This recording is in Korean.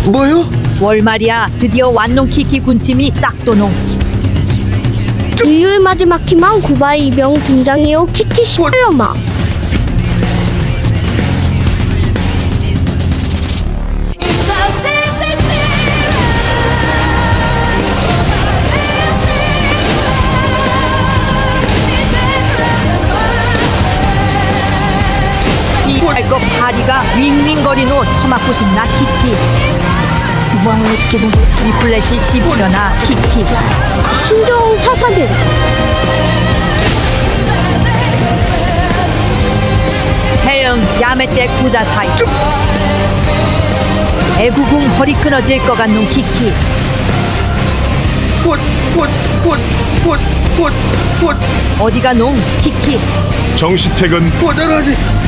뭐요? 월말이야 드디어 완농 키키 군침이 딱 도농. 인류의 마지막 희망 구바이 이병 등장해요. 키키 시얼마. 지할 것 파리가 윙윙거리노 처맞고 싶나 키키. 위플래시 씹으려나 키키. 신종 사사들. 해영 야매떼 구다사이. 애구궁 허리 끊어질 것 같는 키키. 곧 어디가 농 키키. 정시택은 보자라지.